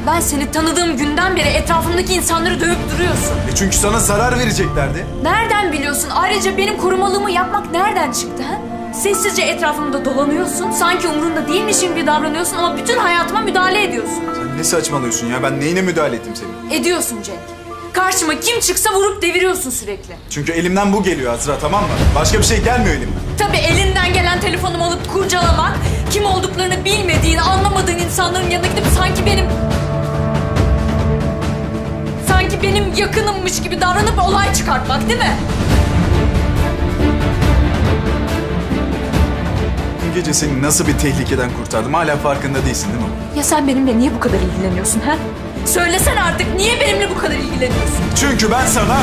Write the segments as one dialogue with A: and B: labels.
A: ben seni tanıdığım günden beri etrafımdaki insanları dövüp duruyorsun.
B: Çünkü sana zarar vereceklerdi.
A: Nereden biliyorsun? Ayrıca benim korumalığımı yapmak nereden çıktı ha? Sessizce etrafımda dolanıyorsun. Sanki umurunda değilmişim gibi davranıyorsun ama bütün hayatıma müdahale ediyorsun.
B: Sen ne saçmalıyorsun ya? Ben neyine müdahale ettim senin?
A: Ediyorsun Cenk. Karşıma kim çıksa vurup deviriyorsun sürekli.
B: Çünkü elimden bu geliyor Azra, tamam mı? Başka bir şey gelmiyor elimden.
A: Tabii elinden gelen telefonumu alıp kurcalamak, kim olduklarını bilmediğin, anlamadığın insanların yanına gidip sanki benim yakınımmış gibi davranıp olay çıkartmak, değil mi?
B: Dün gece seni nasıl bir tehlikeden kurtardım hala farkında değilsin değil mi?
A: Ya sen benimle niye bu kadar ilgileniyorsun ha? Söylesene artık, niye benimle bu kadar ilgileniyorsun?
B: Çünkü ben sana...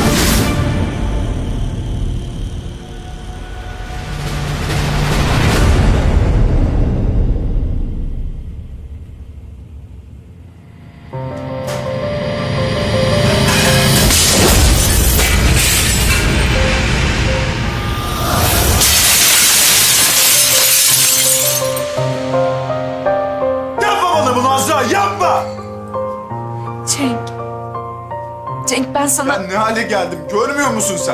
B: Yapma bana bunu Azra, yapma!
A: Cenk ben sana...
B: Ben ne hale geldim görmüyor musun sen?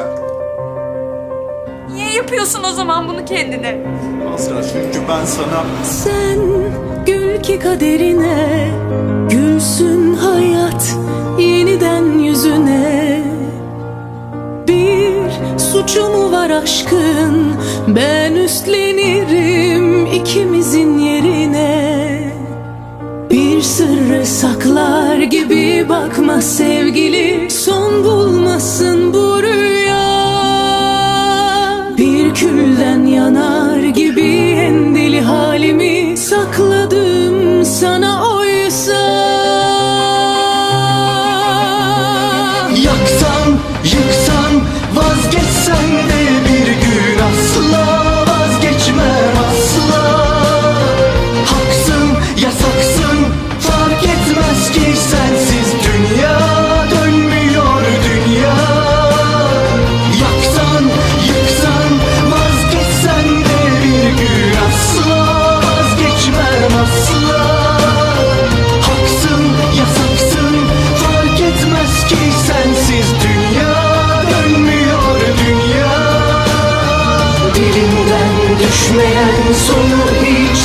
A: Niye yapıyorsun o zaman bunu kendine?
B: Azra çünkü ben sana...
C: Sen gül ki kaderine, gülsün hayat yeniden yüzüne. Bir suçu mu var aşkın, ben üstlenirim ikimizin yerine. Bir sırrı saklar gibi bakma sevgili, son bulmasın bu rüya. Bir külden yanar gibi en deli halimi sakladım sana oysa.
D: Yaksan, yıksan, vazgeçsen de bir gün asla vazgeçmem asla. Haksın, yasaksın, fark etmez ki sensiz dünya dönmüyor dünya. Yaksan, yıksan, vazgeçsen de bir gün asla vazgeçmem asla. Haksın, yasaksın, fark etmez ki sensiz dünya dönmüyor dünya. Dilimden düşmeyen sonu hiç